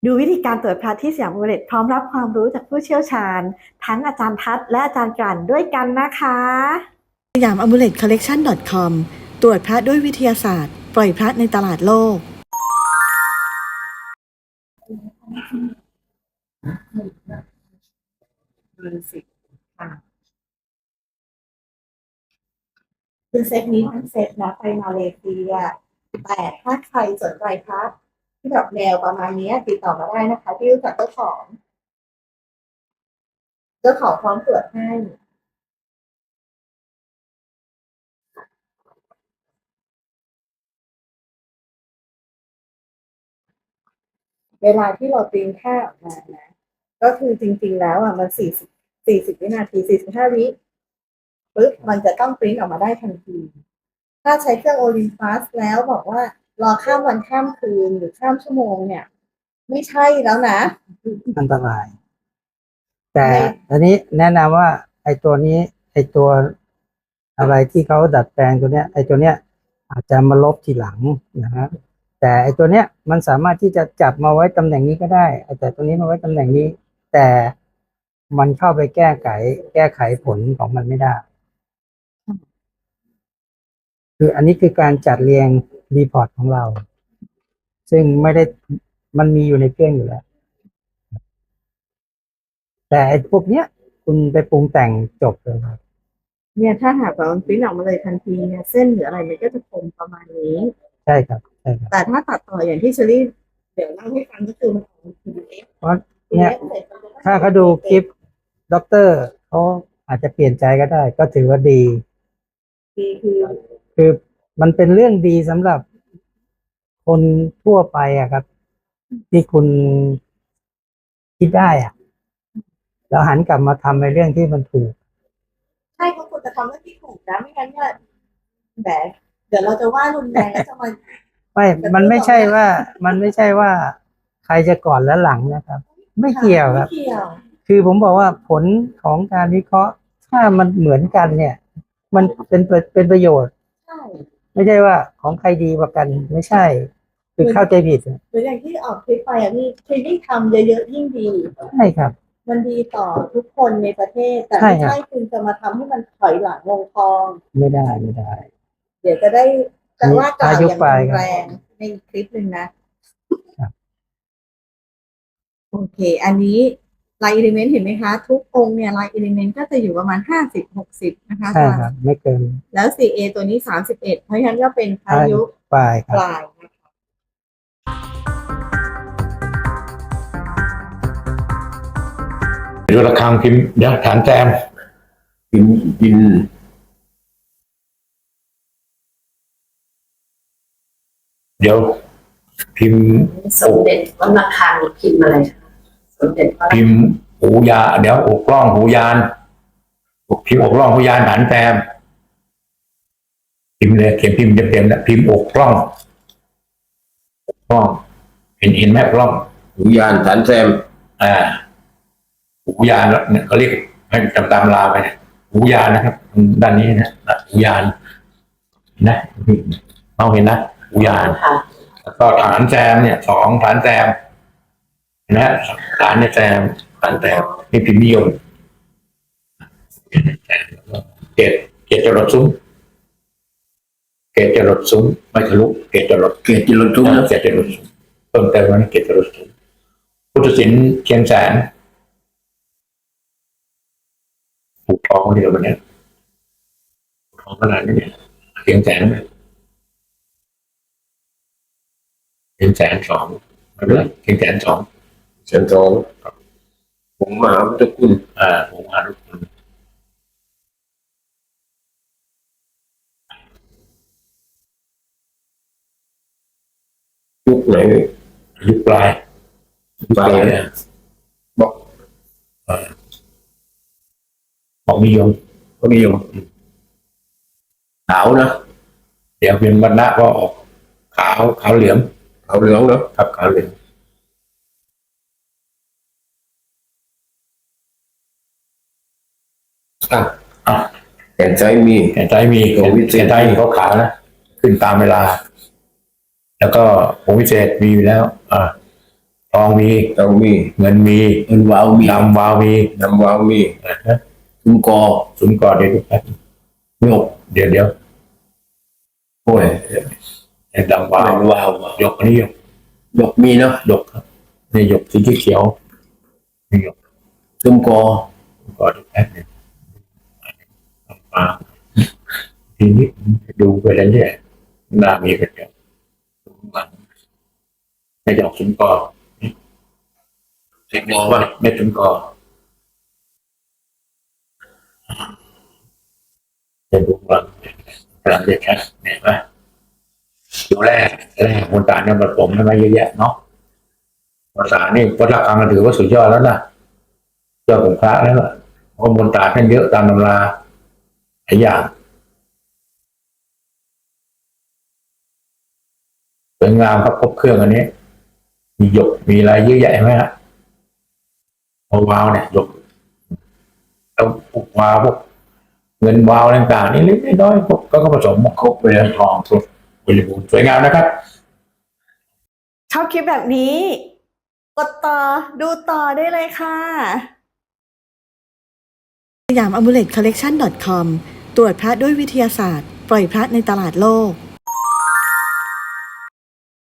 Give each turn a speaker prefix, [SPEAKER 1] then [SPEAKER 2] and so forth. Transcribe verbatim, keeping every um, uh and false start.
[SPEAKER 1] ดูวิธีการตรวจพระที่สยามอุเรตพร้อมรับความรู้จากผู้เชี่ยวชาญทั้งอาจารย์ทัศน์และอาจารย์กลั่นด้วยกันนะคะสยามอ m มูเลตคอลเลกชัน .com ตรวจพระด้วยวิทยาศาสตร์ปล่อยพระในตลาดโลกคือเซตนี้ทั้งเซตนะไปมาเลเซียแต่ถ้าใครสนใจพระที่แบบแนวประมาณนี้ติดต่อมาได้นะคะที่รู้จักเจ้าของเจ้าของพร้อมตรวจให้เวลาที่เราปริ้นค่าออกมานะก็คือจริงๆแล้วอ่ะมันสี่สิบสี่สิบวินาทีสี่สิบห้าวิปึ๊บมันจะต้องปริ้นออกมาได้ทันทีถ้าใช้เครื่องโอลิมปัสแล้วบอกว่ารอข้ามวันข้ามคืนหรือข้ามชั่วโมงเนี่ยไม่ใช่แล้วนะ
[SPEAKER 2] อันตรายแต่อันนี้แนะนำว่าไอ้ตัวนี้ไอ้ตัวอะไรที่เขาดัดแปลงตัวเนี้ยไอ้ตัวเนี้ยอาจจะมาลบทีหลังนะฮะแต่ไอ้ตัวเนี้ยมันสามารถที่จะจับมาไว้ตำแหน่งนี้ก็ได้แต่ตัวนี้มาไว้ตำแหน่งนี้แต่มันเข้าไปแก้ไขแก้ไขผลของมันไม่ได้คืออันนี้คือการจัดเรียงรีพอร์ตของเราซึ่งไม่ได้มันมีอยู่ในเครื่องอยู่แล้วแต่ไอ้พวกเนี้ยคุณไปปรุงแต่งจบเลยครับ
[SPEAKER 1] เนี่ยถ้าหากว่ามันปริ้นออกมาเลยทันทีเนี่ยเส้นหรืออะไรมันก็จะคมประมาณนี้
[SPEAKER 2] ใช่ครับใช่ครับ
[SPEAKER 1] แต่ถ้าตัดต่ออย่างที่เชอรี่เดี๋ยวเล่าให้ฟังก็คือมันออกมา พี ดี เอฟ
[SPEAKER 2] เพราะเนี่ยถ้าเขาดูคลิปด็อกเตอร์เขาอาจจะเปลี่ยนใจก็ได้ก็ถือว่าดี
[SPEAKER 1] ดีคือ
[SPEAKER 2] คือมันเป็นเรื่องดีสำหรับคนทั่วไปอะครับที่คุณคิดได้อะแล้วหันกลับมาทำในเรื่องที่มันถูก
[SPEAKER 1] ใช่เขาควรจะทำเรื่องที่ถูกนะไม่งั้นเนี่ยแบบเดี๋ยวเราจะว่ารุนแรงแล้วจะมา
[SPEAKER 2] ไม่ มันไม่ใช่ว่า มันไม่ใช่ว่าใครจะก่อนและหลังนะครับ ไม่เกี่ยวครับคือผมบอกว่าผลของการวิเคราะห์ถ้ามันเหมือนกันเนี่ย มันเป็นเป็นประโยชน์ไม่ใช่ว่าของใครดีกว่ากันไม่ใช่คือเข้าใจผิด
[SPEAKER 1] หรืออย่างที่ออกคลิปไปอ่ะพี่คือยิ่งทำเยอะๆยิ่งดี
[SPEAKER 2] ใช่ครับ
[SPEAKER 1] มันดีต่อทุกคนในประเทศแต่ไม่ใช่คุณจะมาทำให้มันถอยหลังลงคลอง
[SPEAKER 2] ไม่ได้ไม่ได้
[SPEAKER 1] เดี๋ยวจะได้จะว่ากล่าวอย่างแรงในคลิปหนึ่งนะโอเคอันนี้ลายอิเลเมนต์เห็นไหมคะทุกองค์เนี่ยลายอิเลเมนต์ก็จะอยู่ประมาณห้าสิบหกสิบนะคะ
[SPEAKER 2] ใช่ครับไม่เกิน
[SPEAKER 1] แล้ว ซี เอ ตัวนี้สามสิบเอ็ดเพราะฉะนั้นก็เป็นพายุ
[SPEAKER 2] ปลาย
[SPEAKER 1] ปลายนะคะ
[SPEAKER 3] ดูระฆังพิมพ์เดี๋ยวฐานแจมพิมพ์พิมพ์เดี๋ยวพิมพ์
[SPEAKER 4] สมเด็จวัดระฆังพิมพ์อะไรสมเด็จ
[SPEAKER 3] พิมพ์หูยาเดี๋ยวอกกล้องหูยานพิมพ์อกกล้องหูยานฐานแจมพิมพ์เลยเขียนพิมพ์เต็มๆนะพิมพ์อกกล้องอกกล้องเห็นเห็นไหมอกกล้อง
[SPEAKER 5] หูยานฐานแซม
[SPEAKER 3] อ่าหูยานเนี่ยเขาเรียกให้จำตามลาไปหูยานนะครับด้านนี้นะหูยานนะมองเห็นนะหูยานแล้วก็ฐานแซมเนี่ยสองฐานแซมนะฐานเนี่ยแซมฐานแซมนี่พิมพ์นิยมเกตเกตจรดซุ้มเกตจรดซุ้มไม่ทะลุเกตจรด
[SPEAKER 5] เกตจรดซุ้ม
[SPEAKER 3] เกตจรดซุ้มเพิ่มเติมว่าเกตจรดซุ้มพุทธศิลป์เชียงแสนผูกทองที่เราเนี่ยทองขนาดนี้เนี่ยเชียงแสนไหมเชียงแสนสองอะไรเชียงแสนสอง
[SPEAKER 5] เชียงทองผมมหาพุทธคุณ
[SPEAKER 3] อ่าผมมหาพุทธคุณ
[SPEAKER 5] ยุคไหน
[SPEAKER 3] ยุคปลาย
[SPEAKER 5] ปลายเนี่ยบอก
[SPEAKER 3] เอ่อของนิยม
[SPEAKER 5] เขานิยมขาวนะ
[SPEAKER 3] เดี๋ยวเป็นวรรณะก็ออกขาวขาวเหลือง
[SPEAKER 5] ขาวเหลืองเนาะ
[SPEAKER 3] ครับขาวเหลือง
[SPEAKER 5] อ่ะ
[SPEAKER 3] อ่ะ
[SPEAKER 5] แก่นใจมี
[SPEAKER 3] แก่นใจมีแก่นใจเขาขาวนะขึ้นตามเวลาแล้วก็ผงวิเศษมีอยู่แล้วอ่าทองมี
[SPEAKER 5] เตามี
[SPEAKER 3] เงินมี
[SPEAKER 5] เงินวาวมี
[SPEAKER 3] ดำวาวมี
[SPEAKER 5] น้ำวาวมี
[SPEAKER 3] นะฮะ
[SPEAKER 5] ซุ้มกอ
[SPEAKER 3] ศูนย์ก่อนเดี๋ยวดูแป๊บ
[SPEAKER 5] โยก
[SPEAKER 3] เดี๋ยวเดี๋ยว
[SPEAKER 5] โอ้ย
[SPEAKER 3] ไอ้ดำวาว
[SPEAKER 5] วาว
[SPEAKER 3] หยกอันนี้หยก
[SPEAKER 5] ยกมีเนาะ
[SPEAKER 3] หยกครับนี่หยกสีเขียวนี่หยก
[SPEAKER 5] ซุ้มกอ
[SPEAKER 3] ก่อนแป๊บนึงมาทีนี้ดูไปแล้วเนี่ยหน้ามีเป็นแบบไม่หยอกศูนย์ก่อนเสียงบอกว่าไม่ศูนย์ก่อนจะดูว่ากำลังจะแค่เนี่ยนะอยู่แรกแรกมนตราเนี่ยผสมให้มาเยอะแยะเนาะภาษานี่วัดระฆังถือว่าสุดยอดแล้วนะยอดของพระแล้วล่ะเพราะมนตราท่านเยอะตามตำราหลายอย่างสวยงามครับครบเครื่องอันนี้ มีหยกมีอะไรเยอะแยะไหมฮะพอวาวเนี่ยหยกแล้วพวกวาวพวกเงินวาวต่างๆนี่เล็กน้อยพวกก็ผสมครบไปเลยทองสดบริบูรณ์สวยงามนะครับ
[SPEAKER 1] ชอบคลิปแบบนี้ กดต่อดูต่อได้เลยค่ะสยาม อามูเลต คอลเลกชัน ดอท คอม ตรวจพระด้วยวิทยาศาสตร์ ปล่อยพระในตลาดโลก